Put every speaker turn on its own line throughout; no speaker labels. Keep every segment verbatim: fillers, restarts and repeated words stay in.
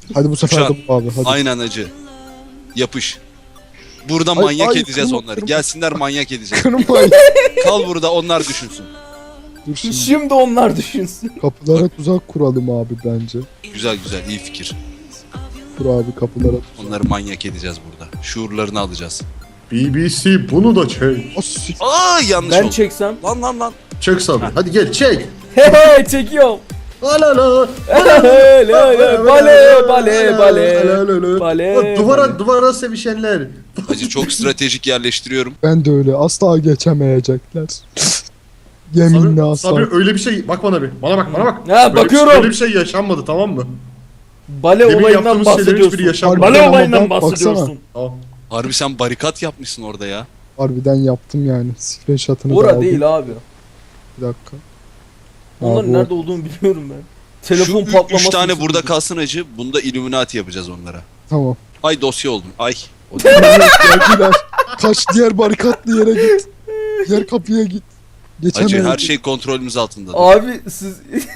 Hadi bu sefer
Uçan.
de bu abi. Hadi.
Aynen acı. Yapış. Burada
Ay,
manyak
ay,
edeceğiz
kırma,
onları.
kırma.
Gelsinler manyak edeceğiz.
Kırmayın.
Kal burada onlar düşünsün.
Dur şimdi.
Şimdi onlar düşünsün.
Kapılara tuzak kuralım abi bence.
Güzel güzel iyi fikir.
Kur abi kapılara tuzak.
Onları manyak edeceğiz burada. Şuurlarını alacağız.
B B C bunu da çek.
O sik.
Aa yanlış
Ben
oldu.
çeksem.
Lan lan lan.
Çek Sabri. Hadi gel çek.
He he çekiyorum.
Ala la.
Hele hele bale bale bale. Bale.
Duvara duvara sevişenler.
Acı çok stratejik yerleştiriyorum.
Ben de öyle. Asla geçemeyecekler. Yeminle
Sabri,
asla.
Sabri öyle bir şey bak bana bir. Bana bak bana bak.
Ha,
Böyle bir-
bakıyorum.
Böyle bir şey yaşanmadı tamam mı?
Bale
Demin
olayından
yaptığımız şeylerin hiçbiri
bahsediyorsun.
yaşanmadı.
Bale
Ama
olayından
bak-
bahsediyorsun.
Tamam.
Harbi sen barikat yapmışsın orada ya.
Harbiden yaptım yani. Screenshot'ını da
Ora
aldım.
değil abi.
Bir dakika.
Onların
Abi,
nerede olduğunu biliyorum ben. Telefon
Şu ü-
patlaması.
üç tane
için
burada
duydum.
kalsın acı. Bunda Illuminati yapacağız onlara.
Tamam.
Ay dosya oldum. Ay. O
Geldiler. Kaç diğer barikatlı yere git. Diğer kapıya git.
acı
Geçemeyiz.
her şey kontrolümüz altında.
Abi siz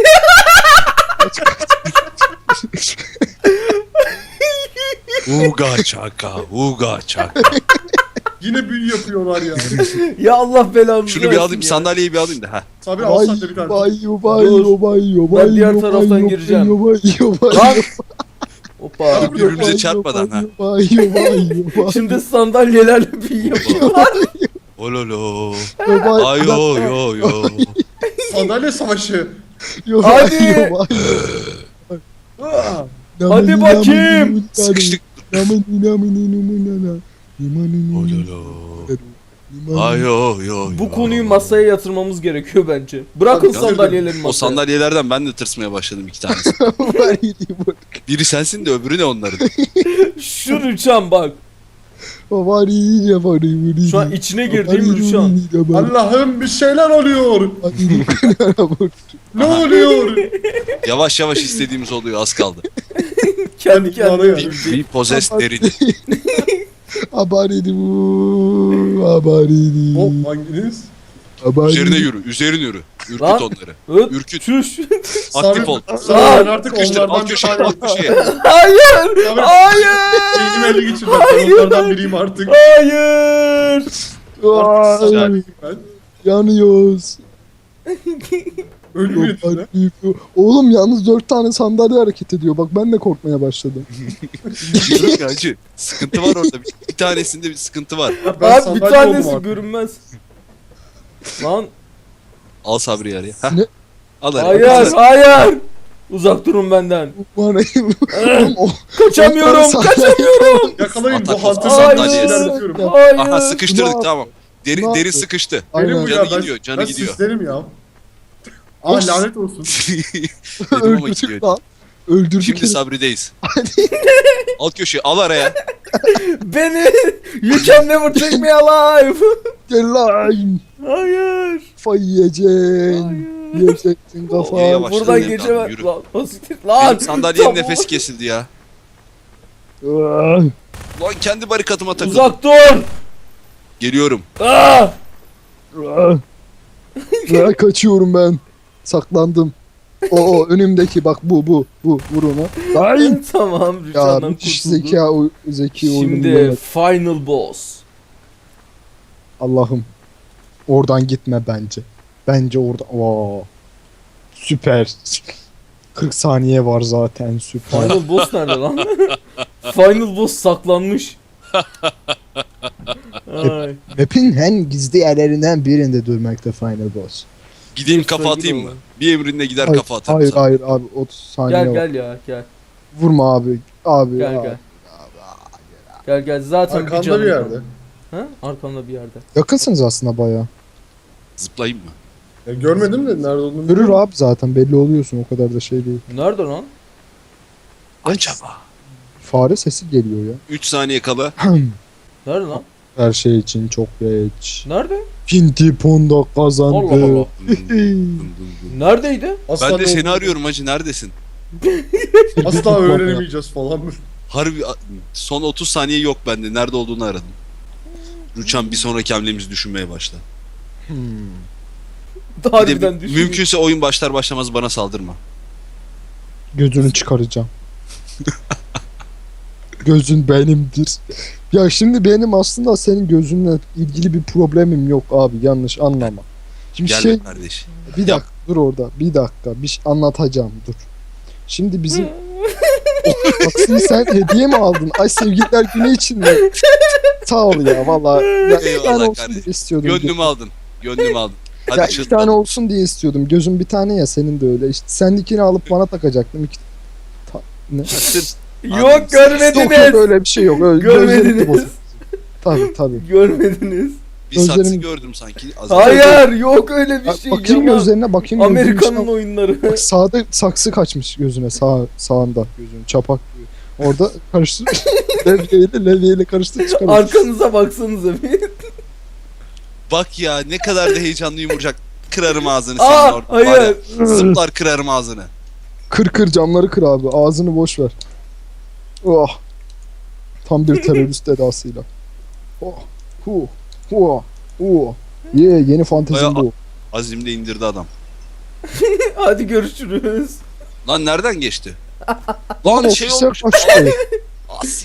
Uga çaka, uga çaka.
Yine büyü yapıyorlar ya.
ya Allah belanızı
Şunu bir
versin
alayım,
ya.
sandalyeyi bir alayım da ha.
Sabri al
Vay
sen de bir tane.
vay vay
Dur.
vay vay
Ben diğer taraftan gireceğim.
Vay vay
Lan.
vay
Hoppa.
Dur, birbirimize çarpmadan, ha.
Vay vay vay.
Şimdi sandalyelerle bir yapıyorlar.
Ololo.
Vay
Ay yo yo yo.
Sandalye savaşı.
Hadi.
Aa,
Hadi bakayım.
Sıkıştık. Ololo. Ay yo yo yo.
Bu konuyu masaya yatırmamız gerekiyor bence. Bırakın
Tabii, tabii.
sandalyeleri masaya.
O sandalyelerden ben de tırsmaya başladım iki tanesi. Biri sensin de öbürü ne onların?
Şu Rüçhan bak. Şu an içine girdiğim Rüçhan.
Allah'ım bir şeyler oluyor. Ne oluyor?
Yavaş yavaş istediğimiz oluyor az kaldı.
Kendi
Ben
kendine.
inanıyorum.
Bir, bir possessed derin.
Abaridi bu, abaridi.
Hop hanginiz?
Abaridi.
Üzerine yürü, üzerine yürü. Ürküt
Lan.
onları.
Öt.
Ürküt.
Çüş.
Aktif ol.
Sabri ben artık
Sıkıştır,
onlardan
alt
bir
köşeye,
tane.
alt köşeye.
Hayır.
Sabri
Hayır.
beynimi ele geçir ben onlardan biriyim artık.
Hayır.
Artık
Ay,
sandalye ben.
yanıyoruz.
Ölüm yetine.
Oğlum yalnız dört tane sandalye hareket ediyor. Bak ben de korkmaya başladım.
Diyorum ya acı. Sıkıntı var orada. Bir, bir tanesinde bir sıkıntı var.
Ben
Abi bir
sandalye oldum
tanesi
artık.
görünmez. Lan
Al Sabri'yi araya. Heh.
Ne?
Al araya.
hayır hayır. Uzak durun benden.
Bana
Eh,
o
Kaçamıyorum
Sandalye-
kaçamıyorum.
Yakalayın
Atak
bu hunter
olsun.
sandalyesi
Hayır.
ilerletiyorum.
Hayır.
Aha sıkıştırdık
Ne
tamam. Deri,
Ne
derin
yapıyor?
sıkıştı.
Aynen.
Benim bu
Canı
ya ben,
gidiyor, canı
ben
gidiyor.
sislerim ya. Ah
Of.
lanet olsun.
Dedim ama
öldürdük
gidiyor.
lan. Öldürdük.
Şimdi
herif.
Sabri'deyiz. Alt köşeye al araya.
Beni. You can never take me alive.
Gel lan.
Hayır.
Kafayı yiyeceksin.
Hayır.
Yiyeceksin
O,
kafayı.
yavaş.
Buradan
Başlayalım
geçemem.
abi, yürü.
Lan basit. Lan.
Benim sandalyenin
Tamam.
nefesi kesildi ya.
Ah,
Lan kendi barikatıma takıldım.
Uzak dur.
Geliyorum.
Ah.
ah. Ah, kaçıyorum ben. Saklandım. O, o önümdeki bak bu bu bu vur ona. Ay.
Tamam
Ya
Rüçhan'dan
müthiş
kurtulduk.
zeka oy- zeki oyunu.
Şimdi
bilemedim.
final boss.
Allah'ım. Oradan gitme bence. Bence orada. Oo. Süper. kırk saniye var zaten süper.
Final boss nerede lan? Final boss saklanmış. Ay.
Map'in en gizli yerlerinden birinde durmakta Final Boss.
Gideyim
Bir
kafa
sevgili
atayım mı?
olan.
Bir emrinde gider
Hayır,
kafa atarım
hayır,
sana.
hayır abi otuz saniye
Gel
var.
gel ya gel.
Vurma abi. Abi
Gel
ya.
gel. Gel gel zaten bir
Arkanda
canım
bir
var.
yerde.
Ha? Arkamda bir yerde.
Yakınsınız aslında bayağı.
Zıplayayım mı?
Ya görmedim de nerede olduğunu.
Görür
bilmiyorum.
abi zaten belli oluyorsun o kadar da şey değil.
Nerede lan?
Acaba.
Fare sesi geliyor ya.
üç saniye kala.
Nerede lan?
Her şey için çok geç.
Nerede?
Pinti Ponda kazandı.
Allah Allah. Neredeydi?
Asla
Ben de
ne
seni
olduğunu-
arıyorum hacı neredesin?
Asla öğrenemeyeceğiz falan.
Harbi son otuz saniye yok bende. Nerede olduğunu aradım. Rüçhan bir sonraki hamlemizi düşünmeye başla.
Hmm.
Bir de
Harbiden düşün.
mümkünse oyun başlar başlamaz bana saldırma.
Gözünü çıkaracağım. Gözün benimdir. Ya şimdi benim aslında senin gözünle ilgili bir problemim yok abi, yanlış anlama. Şimdi
Gel
şey
be kardeş.
bir dakika dur orada, bir dakika bir şey anlatacağım, dur. Şimdi bizim taksiyi sen hediye mi aldın? Ay sevgililer günü için mi? Sağ ol ya valla. Ya iki
Eyvallah
tane olsun
kardeşim.
diye istiyordum.
Gönlümü aldın. Gönlümü aldın. Hadi
Ya iki
çıldır.
tane olsun diye istiyordum. Gözüm bir tane ya, senin de öyle. İşte sendikini alıp bana takacaktım. İki... Ta... Ne?
Sırf
Yok
Yok yok,
görmediniz.
öyle bir şey yok. Öyle gözlerim
Görmediniz.
bozuk. Tabii tabii.
Görmediniz.
bir saksı
Gözlerim-
gördüm sanki. Az önce.
Hayır yok öyle bir
Bak,
şey.
bakayım
yalan.
gözlerine, bakayım.
Amerika'nın
gözünün
oyunları.
Bak sağda saksı kaçmış gözüne, sağ sağında gözünün çapak gibi. Orada karıştır. levyeyle levyeyle karıştır çıkarmış.
Arkanıza baksanıza bir.
Bak ya ne kadar da heyecanlıyım Burcak. Kırarım ağzını senin
Aa
orada. Var ya,
hayır.
zıplar kırarım ağzını.
Kır kır camları kır abi. Ağzını boş ver. Oh. Tam bir terörist edasıyla. Oh. Hu. Hu. Hu. Ye yeni fantezim
Bayağı-
bu.
Azim de indirdi adam.
Hadi görüşürüz.
Lan nereden geçti?
Lan
Lan şey
ofise
olmuş.
kaçtı.
As-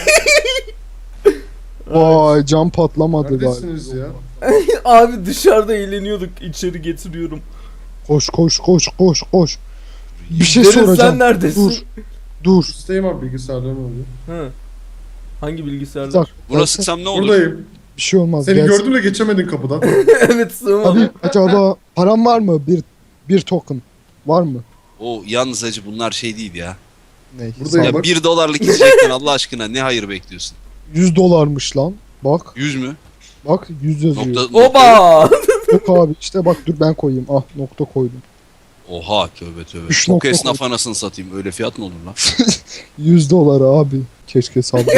Vay cam patlamadı galiba.
Neredesiniz ya?
Abi dışarıda eğleniyorduk. İçeri getiriyorum.
Koş koş koş koş koş. Bir şey
Deniz,
soracağım.
sen neredesin?
Dur. Dur.
Üstteyim abi, bilgisayarda mı oluyor?
Hı. Hangi
Bir
bilgisayarda?
dakika.
Buna sıksam ne olur?
Buradayım.
Bir şey olmaz.
Seni
gelsin.
gördüm de geçemedin kapıdan.
Evet sığmadım.
Abi acaba param var mı? Bir bir token var mı?
O yalnız acı bunlar şey değil ya.
Ne?
Buradayım.
Ya
bak.
bir dolarlık içecekten Allah aşkına ne hayır bekliyorsun?
yüz dolarmış lan. Bak
Yüz mü?
bak yüz yazıyor.
Nokta, nokta.
Oba!
Yok abi işte bak, dur ben koyayım. Ah nokta koydum.
Oha tövbe tövbe.
Üç
Çok
nokta
esnaf anasını satayım. Öyle fiyat mı olur lan?
yüz dolar abi. Keşke sabredin.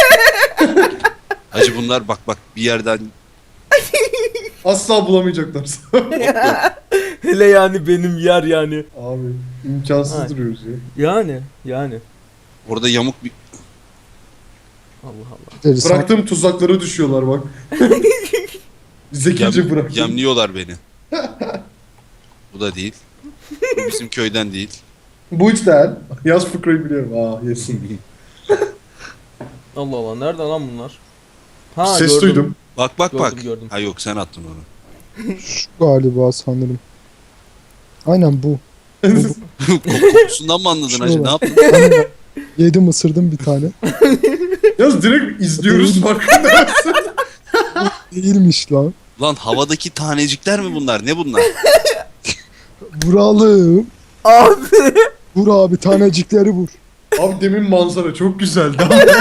Hacı bunlar bak bak bir yerden
Asla bulamayacaklar.
Hele yani benim yer yani.
Abi imkansız
Ay.
duruyoruz ya.
Yani yani.
orada yamuk bir...
Allah Allah.
Deriz.
Bıraktığım tuzaklara düşüyorlar bak. Zekice
Yem,
bıraktım.
yemliyorlar beni. Bu da değil. Bu bizim köyden değil.
Bu hiç değil. Yaz fıkrayı biliyorum. Aa yesin.
Allah Allah. Nerede lan bunlar? Ha
Ses
gördüm.
duydum.
Bak bak bak.
Gördüm, gördüm.
Ha yok sen attın onu.
Şu galiba sanırım. Aynen bu.
Kokusundan mı anladın hacı?
Şuna
Ne
bak.
yaptın?
Aynen. Yedim ısırdım bir tane.
Yaz direkt izliyoruz farkında mısın?
Değilmiş lan.
Lan havadaki tanecikler mi bunlar? Ne bunlar?
Vuralım.
Abi.
Vur abi, tanecikleri vur.
Abi demin manzara çok güzeldi.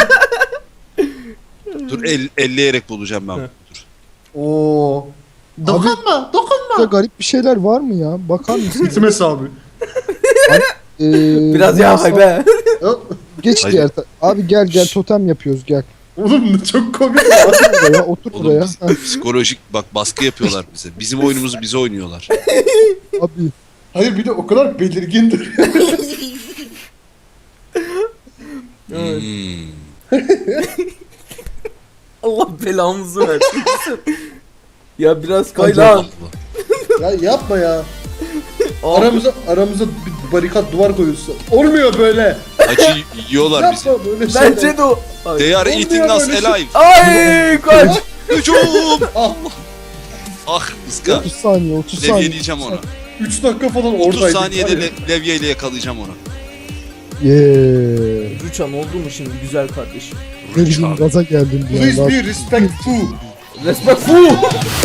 Dur el, elleyerek bulacağım ben.
Heh.
Dur.
Oo. Dokunma, dokunma.
Burada garip bir şeyler var mı ya? Bakar mısın?
Gitmez abi.
Ee,
Biraz ya hay be.
Geç
Hadi.
diğer ta- Abi gel gel totem yapıyoruz gel.
Oğlum çok komik.
Otur buraya, otur
Oğlum
buraya.
biz-
Heh,
Psikolojik bak baskı yapıyorlar bize. Bizim oyunumuzu bize oynuyorlar.
abi
Hayır bir de o kadar belirgindir.
Evet.
Hmm.
Allah belamızı versin. Ya biraz kay
Hadi.
lan.
Allah.
Ya yapma ya.
Abi,
Aramıza aramıza bir barikat duvar koyuyorsun. Olmuyor böyle.
Acı yiyorlar bizi.
Yapma böyle şeyler.
bence de o. Ay.
They are
Olmuyor
eating us
böyle şey.
alive.
Ay kaç.
Hücum!
Ah,
Ah ıska.
otuz saniye otuz saniye.
Levyeleyeceğim onu.
üç dakika falan
otuz
oradaydık.
saniyede
var ya.
le- levyeyle yakalayacağım onu.
Yeee.
Rüçhan oldu mu şimdi güzel kardeşim?
Ne bileyim gaza geldim bir
Please
anda.
be respectful.
Respect fu.